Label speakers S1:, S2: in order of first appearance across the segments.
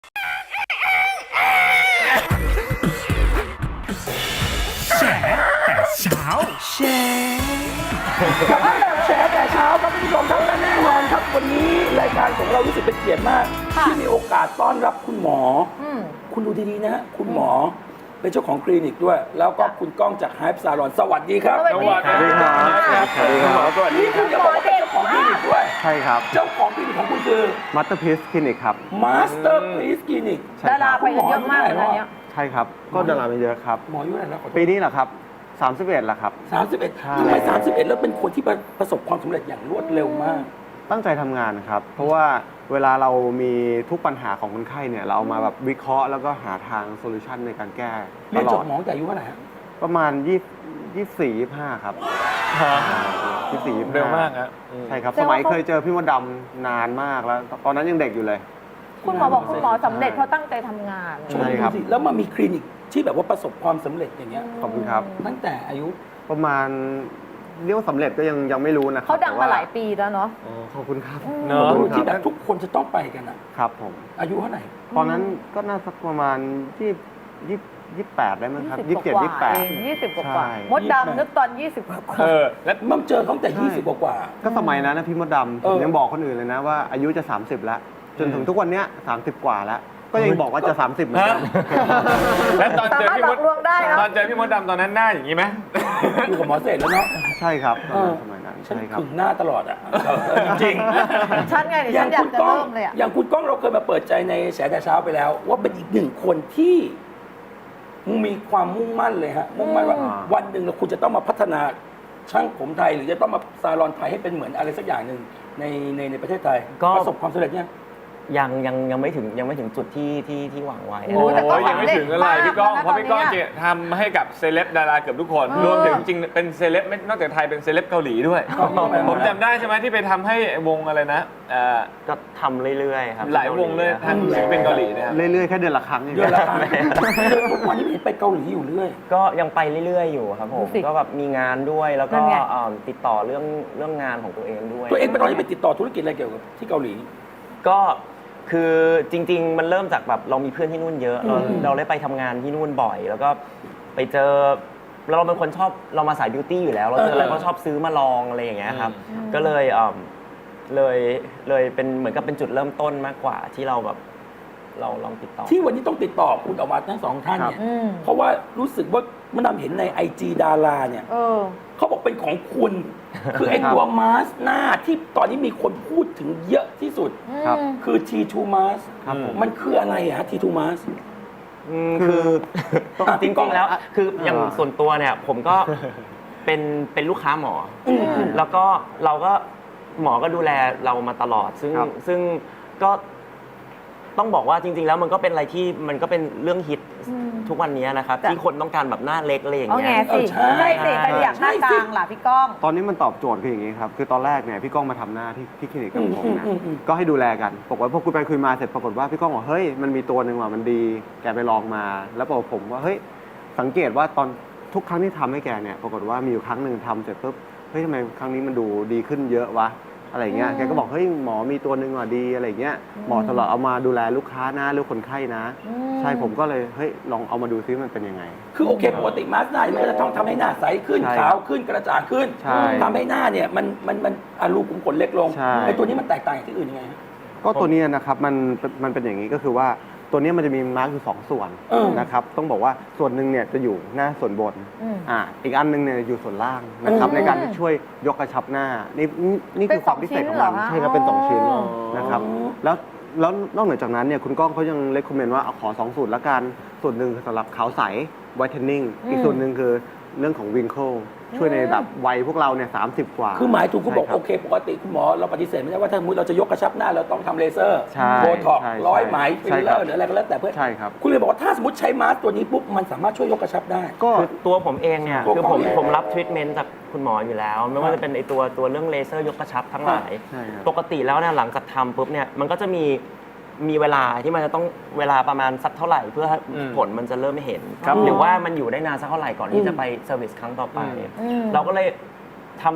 S1: แฉแต่เช้าแช
S2: กลับมาแบบแฉแต่เช้าครับคุณผู้ชมครับและแน่นอนครับวันนี้รายการของเรารู้สึกเป็นเกียรติมากที่มีโอกาสต้อนรับคุณหมอคุณดูดีๆนะฮะคุณหมอเป็นเจ้าของคลินิกด้วย แล้วก็คุณก้องจากไฮป์ซาลอนสวัสดีครับ
S3: สวัสดีครับ
S2: คุณหมอสวัสดีคุณจะบอกว่าเป็นเจ้าของคลินิกด้วย
S4: ใช่ครับ
S2: เจ้าของคลินิกของคุณคือ
S4: Masterpiece Clinic ครับ
S2: Masterpiece Clinic
S3: ดาราไปกันเยอะมากเลยเนี่ย
S4: ใช่ครับ ก็ดาราไปเยอะครับ
S2: หมออายุเท่าไหร่แล้วขอโทษ
S4: ปีนี้แหละครับ 31แล้วครับ
S2: 31
S4: ใช่
S2: ทำไม31แล้วเป็นคนที่ประสบความสำเร็จอย่างรวดเร็วมาก
S4: ตั้งใจทำงานครับ เพราะว่าเวลาเรามีทุกปัญหาของคนไข้เนี่ย เราเอามาแบบวิเคราะห์แล้วก็หาทางโซลูชันในการแก้ต
S2: เรียน
S4: ล
S2: จ
S4: อบ ด
S2: หมอตั้งแต่อายุเท่าไหร่ฮะ
S4: ประมาณ24 25 ครับ24 25
S5: เร็วมากครับ
S4: ใช่ครับ สมัยเคยเจอพี่มดดำนานมากแล้ว ตอนนั้นยังเด็กอยู่เลย
S3: คุณหมอบอกคุณหมอสำเร็จเพราะตั้งใจทำงาน
S4: ใช่ครับ
S2: ดูสิแล้วมามีคลินิกที่แบบว่าประสบความสำเร็จอย่างเงี้ย
S4: ขอบคุณครับ
S2: ตั้งแต่อายุ
S4: ประมาณเรียกว่าสำเร็จก็ยังไม่รู้นะครับ
S3: เขาดัง
S4: แต่
S3: มา
S4: ว่า
S3: หลายปีแล้วเนาะ
S4: อ๋อขอบคุณครับ
S5: เนอะ
S4: ขอบคุณค
S2: ที่แบ
S4: รั
S2: บบ ทุกคนจะต้องไปกันอะ
S4: ครับผม
S2: อายุเท่าไหร่
S4: ตอนนั้นก็น่าสักประมาณ28ได้มั้งครับ
S3: 20
S4: 27
S3: กว่าเอง
S4: 28
S3: 20 กว่า
S4: ใช่
S3: มดดำนึกตอน 20 กว่า
S5: แล้ว
S2: มันเจอเขาตั้งแต่
S4: ใช่
S2: 20 กว่า
S4: ก็สมัยนั้นนะพี่มดดำ
S2: เอ
S4: ผม
S2: อ
S4: ยังบอกคนอื่นเลยนะว่าอายุจะ 30 แล้ว จนถึงทุกวันเนี้ย30 กว่าแล้ว ก็ยังบอกว่าจะ 30 เหมือนกัน
S5: แล้วตอน
S3: สา
S5: เจอ
S3: มารถ
S5: พี่
S3: หล
S5: ม
S3: อ
S5: ด
S3: กลวงได้นะ
S5: ตอนเจอพี่มดดำตอนนั้นหน้าอย่างนี้ไหม
S2: ๆอยู่กับหมอเสร็จแล้วเนาะ
S4: ใช่ครับ
S2: เออ
S4: สมัยนั้น
S2: ฉัน
S4: ใช่ครับ
S2: ขึงหน้าตลอดอะจริง
S3: ฉันไงเดี๋ยวฉันอยากจะเริ่มเลยอะ
S2: อย่างคุณก้องเราเคยมาเปิดใจในแฉแต่เช้าไปแล้ว ว่าเป็นอีกหนึ่งคนที่มีความมุ่งมั่นเลยฮะมุ่งมั่นว่าวันหนึ่งเราคุณจะต้องมาพัฒนาช่างผมไทย หรือจะต้องมาซาลอนไทยให้เป็นเหมือนอะไรสักอย่างหนึ่งในประเทศไทย
S6: ก็
S2: ประสบความสำเร็จเนี่ย
S6: ยังไม่ถึงจุดที่หวังไว้
S3: โอ้แต่ก็
S5: โอ้ยยังไม่ถึงอะไรพี่ก้อง เพราะพี่ก้อง
S3: ตอนนี้
S5: เจทำให้กับเซเลบดาราเกือบทุกคน รวมถึงจริงๆเป็นเซเลบไม่นอกจากไทยเป็นเซเลบเกาหลีด้วย ผมจำได้ใช่ไหมที่ไปทำให้วงอะไรนะ
S6: ก็ทำเรื่อยๆครับ
S5: หลายวงเลยทางศิลปินเกาหลีเนะครับ
S4: เรื่อยๆ แค่เดือนละครั้งเอง
S2: เดือนละครั้งทุกวันนี้เห็นไปเกาหลีอยู่เรื่อย
S6: ก็ยังไปเรื่อยๆอยู่ครับผม
S3: ดูสิ
S6: ก็แบบมีงานด้วยแล้วก็
S3: นั่นไง
S6: ติดต่อเรื่องงานของตัวเองด้วย
S2: ตัวเองเป็นตอนนี้ไปติดต่อธุรกิจอะไรเกี่ยวกับที่เกาหลี
S6: ก็คือจริง ๆ มันเริ่มจากแบบเรามีเพื่อนที่นู่นเยอะเราได้ไปทำงานที่นู่นบ่อย แล้วก็ไปเจอเราเป็นคนชอบเรามาสายบิวตี้อยู่แล้ว เราเจออะไรก็ชอบซื้อมาลองอะไรอย่างเงี้ยครับก็เลยเป็นเหมือนกับเป็นจุดเริ่มต้นมากกว่าที่เราแบบเราลองติดต่อ
S2: ที่วันนี้ต้องติดต่อคุณออกมาทั้งสองท่านเนี่ย
S3: อืม
S2: เพราะว่ารู้สึกว่ามันนำเห็นใน IG ดาราเนี่ย
S3: เออ
S2: เขาบอกเป็นของคุณ คือไอ้ตัวมาสหน้าที่ตอนนี้มีคนพูดถึงเยอะที่สุด
S4: ครับ
S2: คือ T2 Mask
S4: ครับผม
S2: มันคืออะไรอะฮะ T2 Mask
S6: คือ
S2: อ่ะ
S6: จริงๆแล้วคืออย่าง
S4: อ่า
S6: ส่วนตัวเนี่ยผมก็เป็นลูกค้าหมออ
S2: ม
S6: แล้วก็เราก็หมอก็ดูแลเรามาตลอด
S4: ครับ
S6: ซึ่งก็ต้องบอกว่าจริง ๆ แล้วมันก็เป็นอะไรที่มันก็เป็นเรื่องฮิตทุกวันนี้นะครับ
S3: แต่
S6: ที่คนต้องการแบบหน้าเล็กอะไรอย่าง
S3: เอา
S6: เงี้
S3: ไง
S6: ย
S3: สิ
S2: ใช่
S3: ใช่สิใครอยากหน้ากลางล่ะพี่ก้อง
S4: ตอนนี้มันตอบโจทย์คืออย่างนี้ครับ คือตอนแรกเนี่ยพี่ก้องมาทำหน้าที่คลินิกกับผมนะ
S2: อืม
S4: ก็ให้ดูแลกันปรากฏว่าพอคุยไปคุยมาเสร็จปรากฏว่าพี่ก้องบอกเฮ้ยมันมีตัวหนึ่งว่ะมันดี แกไปลองมา แล้วบอกผมว่าเฮ้ยสังเกตว่าตอนทุกครั้งที่ทำให้แกเนี่ยปรากฏว่ามีอยู่ครั้งหนึ่งทำเสร็จปุ๊บเฮ้ยทำไมครั้งนี้มันดูดีขึ้นเยอะวะอะไรเงี้ยแกก็บอกเฮ้ยหมอมีตัวหนึ่งว่ะดีอะไรเงี้ยหมอตลอดเอามาดูแลลูกค้านะหรือคนไข้นะ ใช่ผมก็เลยเฮ้ยลองเอามาดูซิมันเป็นยังไง
S2: คือโอเคปกติมาสก์หน้ามันก็จะต้องทำให้หน้าใสขึ้น
S4: ใช่
S2: ขาวขึ้นกระจ่างขึ้น
S4: ใช่
S2: ทำให้หน้าเนี่ยมันรูขุมขนเล็กลง
S4: ใช่
S2: ไอ้ตัวนี้มันแตกต่างจากที่อื่นยังไงฮะ
S4: ก็ตัวเนี้ยนะครับมันเป็นอย่างนี้ก็คือว่าตัวเนี้ยมันจะมีมาร์กอยู่2ส่วน
S2: เออ
S4: นะครับต้องบอกว่าส่วนหนึ่งเนี่ยจะอยู่หน้าส่วนบน
S3: อืม
S4: อีกอันหนึงเนี่ยอยู่ส่วนล่างนะครับ
S2: อืม
S4: ในการที่ช่วยยกกระชับหน้านี่
S3: เป็
S4: คื
S3: น
S4: อความพิเศษของมัน
S3: สองชิ้นเหรอคะ
S4: ใช่ครับเป็น2ชิ้น
S3: อ๋อ
S4: นะครับแล้วนอกเหนือจากนั้นเนี่ยคุณก้องเขายังเลคคอมเมนต์ว่าเอาขอ2สูตรละกันส่วนหนึ่งสำหรับขาวใส whitening อีกส่วนหนึ่งคือเรื่องของ wrinkle ช่วยในแบบวัยพวกเราเนี่ย30 กว่า
S2: คือหมายถึงคุณบอก
S4: ใช่รับ
S2: โอเคปกติคุณหมอเราปฏิเสธไม่ได้ว่าถ้าสมมติเราจะยกกระชับหน้าเราต้องทำเลเซอร์
S4: ใช่
S2: โบท็อก
S4: ใช่
S2: ร้อยไหมฟิ
S4: ใช่
S2: ลเล
S4: ครั
S2: อบ ร์หรืออะไรก็แล้วแต่เพื่อ
S4: ใช่ครับ
S2: คุณเลยบอกว่าถ้าสมมติใช้มาสก์ตัวนี้ปุ๊บมันสามารถช่วยยกกระชับได้
S4: ก็
S6: คือตัวผมเองเนี่ย
S2: ตัว
S6: คือ
S2: ก้
S6: ผ
S2: อง
S6: ม
S2: เอง
S6: ผมรับทรีทเมนต์จากคุณหมออยู่แล้ว ไม่ว่าจะเป็นไอตัวเรื่องเลเซอร์ยกกระชับทั้งหลาย
S4: ใช่ครับ
S6: ปกติแล้วเนี่ยหลังจากทำปุ๊บเนี่ยมันก็จะมีเวลาที่มันจะต้องเวลาประมาณสักเท่าไหร่เพื่อให้ผลมันจะเริ่มเห็น
S3: ครับ
S6: หรือว่ามันอยู่ได้นานสักเท่าไหร่ก่อนที่จะไปเซอร์วิสครั้งต่อไป
S3: อืม
S6: เราก็เลยท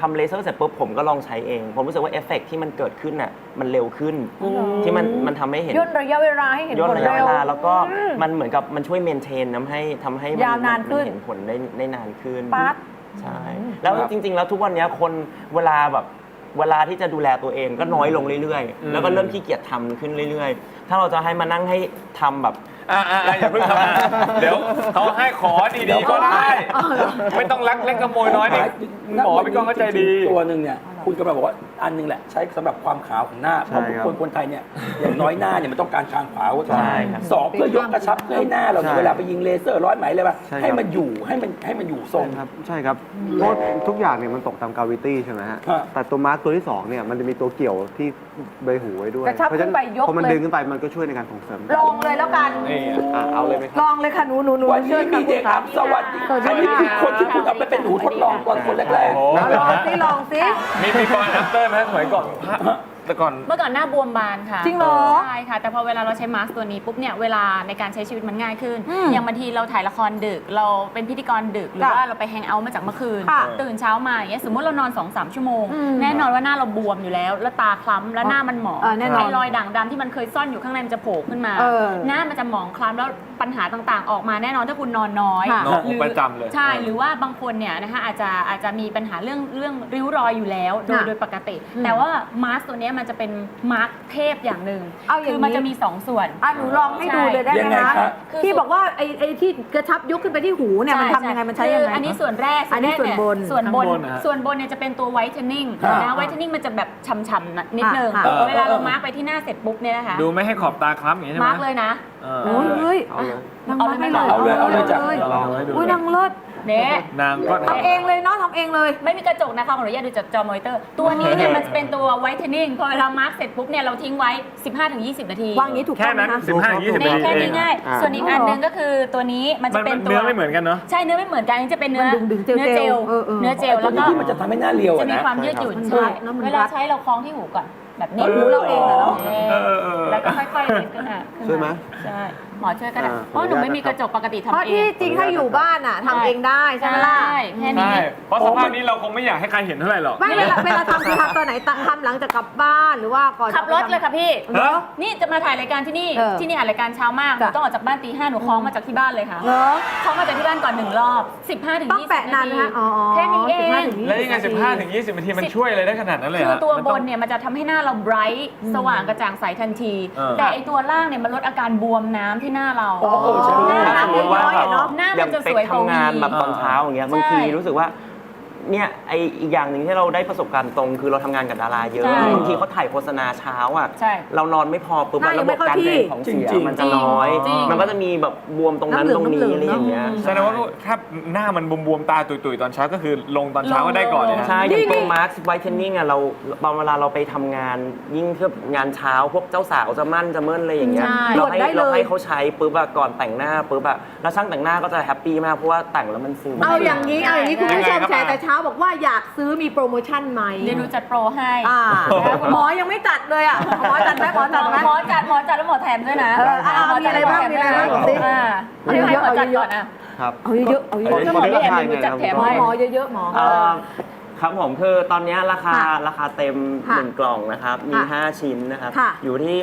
S6: ทำเลเซอร์เสร็จปุ๊บผมก็ลองใช้เอง ผมรู้สึกว่าเอฟเฟกต์ที่มันเกิดขึ้นน่ะมันเร็วขึ้น ที่มันทำให้เห็น
S3: ย่นระยะเวลาให้เห็น
S6: ย่น
S3: ผล
S6: ระยะ
S3: เร็
S6: เว
S3: ว
S6: ลาแล้วก็มันเหมือนกับมันช่วยเมนเทนทำให้มั
S3: ยาวนานขึ้น
S6: เห็นผลได้นานขึ้น
S3: ปั๊บ
S6: ใช่แล้วจริง ๆ แล้วทุกวันนี้คนเวลาที่จะดูแลตัวเองก็น้อยลงเรื่อยๆ แล้วก็เริ่มขี้เกียจทำขึ้นเรื่อยๆ ถ้าเราจะให้มานั่งให้ทำแบบ
S5: อย่าเพิ่งทำนะเดี๋ยวเขาให้ขอดีๆก็ได้ ไม่ต้องลักเล็กขโมยน้อยนี่หมอพี่ก้องเข้าใจดี
S2: ตัวหนึ่งเนี่ยคุณกำลังบอกว่าอันหนึงแหละใช้สำหรับความขาวของหน้าเพ
S4: ใช่
S2: ราะ
S4: ครับ
S2: คนไทยเนี่ยอย่างน้อยหน้าเนี่ยมันต้องการความขาวไว้ก่อน
S6: ใช่ครับ
S2: สองเพื่อยกกระชับเพื่อให้หน้าเราเนี่ย
S4: ใช่
S2: เวลาไปยิงเลเซอร์ร้อยไหมเลยป่ะ
S4: ใช่ครับ
S2: ให้มันอยู่ทรง
S4: ครับใช่ครับเพราะทุกอย่างเนี่ยมันตกตามกราวิตี้ใช่ไหมฮะ
S2: ฮะ
S4: แต่ตัวมาร์กตัวที่2เนี่ยมันจะมีตัวเกี่ยวที่ใบหูไว้ด้วย
S3: กระชับ
S4: เพราะฉะ
S3: ขึ้นไปยก
S4: พอมัน
S3: เลย
S4: ดึงขึ้นไปมันก็ช่วยในการส่งเสริม
S3: ลองเลยแล้วกัน
S4: เอาเลยไหมค
S3: ล
S4: รับ
S3: องเลยค่ะหนู
S2: วันนี้มีเด็กอัพสวัสดีอันนี้คือคนที่คุณเอาไปเป็นหนูทดลองตอนคนแรก
S5: โอ้
S3: ลองสิลองสิ
S5: มีก่อนอัปเตอร์ไหมสมัยก่อนแต่ก่อน
S1: เมื่อก่อนหน้าบวมบานค่ะ
S3: จริงเหรอ
S1: ใช่ค่ะ แต่พอเวลาเราใช้มาสก์ตัวนี้ปุ๊บเนี่ยเวลาในการใช้ชีวิตมันง่ายขึ้น
S3: อืม
S1: อย่างบางทีเราถ่ายละครดึก เราเป็นพิธีกรดึก หรือ
S3: ค่ะ
S1: ว่าเราไปแฮงเอาท์มาจากเมื่อคืน
S3: ค่ะ
S1: ตื่นเช้ามาอย่างเงี้ยสมมติเรานอน 2-3 ชั่วโมง
S3: อืม
S1: แน่นอนว่าหน้าเราบวมอยู่แล้ว แล้วตาคล้ำแล้วหน้ามันหมอง
S3: แน่นอน
S1: ไอ้รอยด่างดำที่มันเคยซ่อนอยู่ข้างในมันจะโผล่ขึ้นมา
S3: เออ
S1: หน้ามันจะหมองคล้ำแล้วปัญหาต่างๆ ออกมาแน่นอนถ้าคุณนอนน้อย
S3: ค่ะ
S5: น้อง
S1: หรือ
S5: ประจำเลย
S1: ใช่หรือว่าบางคนเนี่ยนะคะอาจจะมีปัญหาเรื่องริ้วรอยอยู่แล้วโดยปกติ แต่ว่ามาสก์ตัวเนี้ยมันจะเป็นมาสก์เทพอย่างหนึ่ง
S3: เอาอย่างนี้
S1: คือมันจะมี 2 ส่วน
S3: หนูลองให้ดูเลยได้
S2: ยัง
S3: ไหม
S2: ไง
S3: คะ
S2: คะ
S3: ที่บอกว่าไอ้ที่กระชับยกขึ้นไปที่หูเนี่ยมันทำยังไงมันใช้ยังไง
S1: อันนี้ส่วนแรก
S3: อันนี้ส่วนบน
S1: ส่วนบน
S5: ข้างบนนะฮะ
S1: ส่วนบนเนี่ยจะเป็นตัวไวท์เทนนิ่ง
S2: ครับ
S1: นะไวท์เทนนิ่งมันจะแบบฉ่ำๆนิดนึง
S3: ค่ะ
S1: เวลาเรามาร์กไปที่หน้าเสร็จปุ๊บเนี่ยนะคะ
S5: ดูไม่ให้ขอบตาคล้ำอย่างนี้ใช่ไหม
S1: มาร์กเลยนะ
S3: โอ้ยเฮ้ย
S4: เอาเลย
S3: นาง
S1: เอา
S3: มา
S1: เลย
S3: ให้
S1: ไหม
S3: เลย
S2: เอาเลยจ้ะ
S5: ลองให้ดู
S3: อุ้ยนางเลิศ
S1: เนี่ย
S5: นางก็
S3: ทำเองเลยเนาะทำเองเลย
S1: ไม่มีกระจกนะคะขออนุญาตดูจากจอมอนิเตอร์ ตัวนี้เนี่ยมันจะเป็นตัวไวท์เทนนิ่งพอเวลามาร์กเสร็จปุ๊บเนี่ยเราทิ้งไว้ 15-20 นาที
S3: วางอย่างนี้ถูก
S5: แค่
S3: ต้องไหม
S5: นั้น
S3: คะ
S5: 15-20
S1: นี่
S5: นาที
S1: แค่
S5: เอ
S1: นี้
S5: ง
S1: ง่าย
S4: อ่า
S1: ส่วนอีกอันหนึงก็คือตัวนี้มันจะเป็นตัว
S5: เนื้อไม่เหมือนกันเนาะ
S1: ใช่เนื้อไม่เหมือนกันอันนี้จะเป็นเนื้อ
S3: มันดึงๆเจลๆ
S1: เนื้อเจล
S3: เออ
S1: เนื้อเจล
S2: ตั
S1: แล้ว ว
S2: นี้
S1: ก็
S2: ที่มันจะทำให้หน้าเรียว
S1: จะ
S2: อะ
S1: มี
S2: นะ
S1: ความยืดหยุ่น
S3: มัน
S1: ใช่
S3: แล้วมัน
S1: เวลา
S3: รัด
S1: ใช้เราคล้องที่หูก่อนแบบนี้
S3: หูเราเองอะเนาะ
S1: แล้วก็ค่อยๆเล็ดขึ้นมา
S4: ช่วยไหม
S1: ใช่หมอช่วยก็ได้
S4: อ่า
S1: เพราะหนูไม่มีกระจกปกติ
S3: เพ
S1: ทำ
S3: ราะ
S1: เอ
S3: ที่
S1: ง
S3: จริงถ้าอยู่บ้านอ่ะทำเองได้ใช่ไหมล่ะ
S1: ใช่แค่นี้
S5: ใช่ เพราะสภาพนี้เราคงไม่อยากให้ใครเห็นเท่าไหร่หรอก
S3: ไม่เวลาทำคือทำตอนไหนทำหลังจากกลับบ้านหรือว่าก่อน
S1: ขับรถเลยค่ะพี่
S3: เหรอ
S1: นี่จะมาถ่ายรายการที่นี่
S3: เออ
S1: ที่นี่อ่านรายการเช้ามากหนู
S3: จ้ะ
S1: ต้องออกจากบ้านตี 5หนูคล้องมาจากที่บ้านเลยค่ะ
S3: เหรอ
S1: คล้องมาจากที่บ้านก่อน1 รอบ 15 ถึง
S3: ต้อง
S1: 20
S3: แปะนานไหมคะอ๋อ
S1: แค่นี้เอง
S3: 15ถึง20
S5: แล้วยังไง 15-20 นาทีมันช่วยอะไรได้ขนาดนั้นเลย
S1: คือ
S5: ฮะ
S1: ตัว
S5: มัน
S1: บ
S5: ต้อง
S1: นเนี่ยมันจะทำให้หน้าเราไบรท์สว่างกระจ่างใสทันที
S5: เออ
S1: แต่ไอตัวล่างเนี่ยมันลดอาการบวมน้ำที่หน้าเรา
S2: อ๋อเออใช่
S6: ถ้าสมมติว่าแบบ
S1: หน้า
S6: อ
S1: มั
S6: ย่าน ง
S1: จะ
S6: เป็
S1: ส
S6: ก
S1: วยกว่า
S6: ทำงานแบบ
S1: วี
S6: ตอนเช้าอย่างเงี้ยบางทีรู้สึกว่าเนี่ยไออีกอย่างหนึ่งที่เราได้ประสบการณ์ตรงคือเราทำงานกับดาราเยอะ
S1: ใช่
S6: บางทีเขาถ่ายโฆษณาเช้าอ่ะ
S1: ใช่
S6: เรานอนไม่พอปุ๊บ
S3: หน้ายั
S6: ระ
S3: ง
S6: บ
S3: ไม่
S6: บ
S3: เข้า
S6: การ
S3: ที่
S6: เดินของเสีย
S2: จริงๆ
S6: มันจะน้อย
S1: จริง
S6: มันก็จะมีแบบบวมตรงนั้น
S3: น้ำเหลื
S6: ต
S3: อง
S6: รงนี้
S3: น้ำเหลือง
S6: อะไรอย่างเงี้ย
S5: แสดงว่าถ้าหน้ามันบวมๆตาตุยๆตอนเช้าก็คือลงตอนเช้าก็ได้ก่อนเลยนะ
S6: ใช่อย่างตัวมาร์คไวท์เทนนิ่งอ่ะเราบางเวลาเราไปทำงานยิ่งเทียบงานเช้าพวกเจ้าสาวจะมั่นจะเมิ่นอะไรอย่างเงี้ย
S1: ใช่
S6: เราให้
S3: ตรวจได้เลย
S6: เราให้เขาใช้ปุ๊บอะก่อนแต่งหน้าปุ๊บอะแล้วช่างแต่งหน้าก็จะแฮปปี้มากเพราะว่าแต่งแล้วมันซึม
S3: เอาอย่างนี้คุณผู้ชม
S5: ยังไงครับ
S3: แชร์แต่เช้าบอกว่าอยากซื้อมีโปรโมชั่นไหม
S1: เดี๋ยวดูจัดโปรให้
S3: หมอยังไม่จัดเลยอ่ะหมอจัดไหมหมอจัดไหม
S1: หมอจัดแล้วหมอแถมด้วยนะ
S3: มีอะไรบ้างมีอะไรบ้างสิ
S1: เอาให้หมอจัดก่อนอ่ะ
S6: ครับ
S3: เอาเยอะเอาเย
S1: ผม
S3: อะ
S1: จะหมอไม่แถมหนูจัดแถม
S3: หมอ
S1: ให้
S3: หมอเยอะๆหมอ
S6: ครับผมคือตอนนี้ราคา
S3: ค่ะ
S6: ราคาเต็ม
S3: ค่ะ
S6: 1 กล่องนะครับ มี
S3: ค่ะ
S6: 5 ชิ้นนะครับ
S3: ค่ะ
S6: อยู่ที่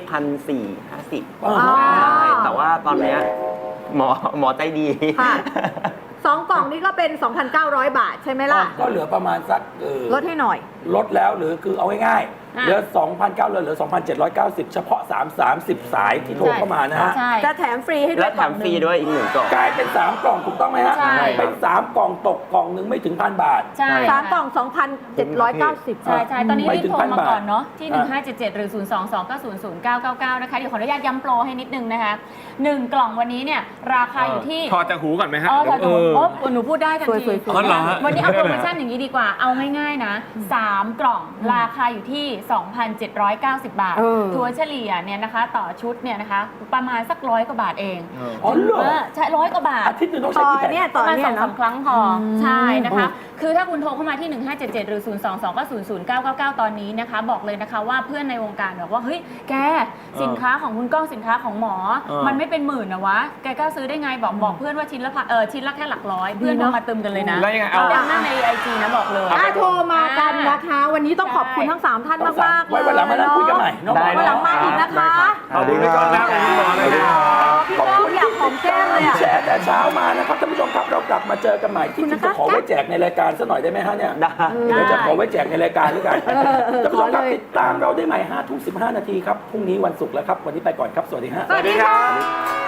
S6: 1,450
S2: อ๋อ
S6: ใช่แต่ว่าตอนเนี้ยหมอใจดี
S3: ค่ะ 2 กล่องนี้ก็เป็น 2,900 บาทใช่ไหมล่ะ
S2: ก็เหลือประมาณสัก
S3: ลดให้หน่อย
S2: ลดแล้วหรือคือเอาง่ายๆเหลือ 2,900เหลือ 2,790 เฉพาะ30 สายที่โทรเข้ามานะฮะ
S1: ใช่
S3: จะแถมฟรีให้ด้
S6: และ
S3: วย
S6: แถมฟรีด้วยอีก 1 กล่อง
S2: กลายเป็น 3 กล่องถูกต้องไหมฮะ
S1: ใช่
S2: เป็น3 กล่องตกกล่องหนึงไม่ถึง 1,000 บาท
S1: ใช่
S3: สามกล่อง 2,790
S1: ใช่ตอนนี้
S2: ไม่
S1: รีบ
S2: ถึง
S1: โทร
S2: 1,000
S1: มาก่อนเนาะที่
S2: อ่า
S1: 1577 หรือ 022900999 นะคะ เดี๋ยวขออนุญาตย้ำโปรให้นิดนึงนะคะ 1 กล่องวันนี้เนี่ยราคาอยู่ที่
S5: ถอดจากหูก่อนไหมฮะ
S1: อ๋อถอดจากหู
S5: เออ
S1: โอ้หนูพูดได้ทันที
S3: สวยๆ
S5: อ๋อเหรอฮะ
S1: วันนี้เอาโปรโมชั่นอย่างนี้ดีกว่า เอาง่ายๆนะ 3 กล่องราคาอยู่ที่ 2,790 บาท ถัวเฉลี่ยเนี่ยนะคะต่อชุดเนี่ยนะคะประมาณสัก100 กว่าบาทเอง
S2: อ๋อเหรอ
S1: ใช่100 กว่าบาท
S2: อาทิตย์หนึงต้อง
S3: ต่
S2: ใช้
S3: อ
S2: กี่แผ่น
S3: เนี่ยต่อ
S1: ประมาณ
S3: เนี่ย
S1: 2-3
S3: เนาะ
S1: ครั้งพออใช่นะคะคือถ้าคุณโทรเข้ามาที่ 1577 หรือ 022 ก็ 00999 ตอนนี้นะคะ บอกเลยนะคะว่าเพื่อนในวงการบอกว่า เฮ้ย แกสินค้าของคุณก้องสินค้าของหมอ มันไม่เป็นหมื่นนะวะ แกกล้าซื้อได้ไงบอกเพื่อนว่าชิ้นละแค่หลักร้อย เพื่อนโทรมาตึมกันเลยนะ
S5: แล้วยังไงเอา
S1: ดังนั้นใน IG นะบอกเลย
S3: โทรมากันนะคะ วันนี้ต้องขอบคุณทั้ง 3 ท่านมากๆเลย
S2: ไว้วันหลังมานั่งคุยกันใหม่เนาะ
S6: ได้
S3: วันหลังมาอีกนะคะ
S5: ขอบคุณพี่ก้องนะขอบคุณหมอเลยนะ
S3: พี่ก้องอยากหอมแก้มเลยอ่ะ
S2: แชร์แต่เช้ามานะครับท่านผู้ชมครับเรากลับมาเจอกันใหม่ที่จริงจะขอไว้แจกในรายการซะหน่อยได้ไหมฮะเนี่ย
S6: ได้
S2: เดี๋ยวจะขอไว้แจกในรายการด้วยกันท่านผู้ชมครับ
S3: ขอเลย
S2: ติดตามเราได้ใหม่5 ทุ่ม 15 นาทีครับพรุ่งนี้วันศุกร์แล้วครับวันนี้ไปก่อนครับสวัสดีฮะ
S3: สวัสดีค่ะ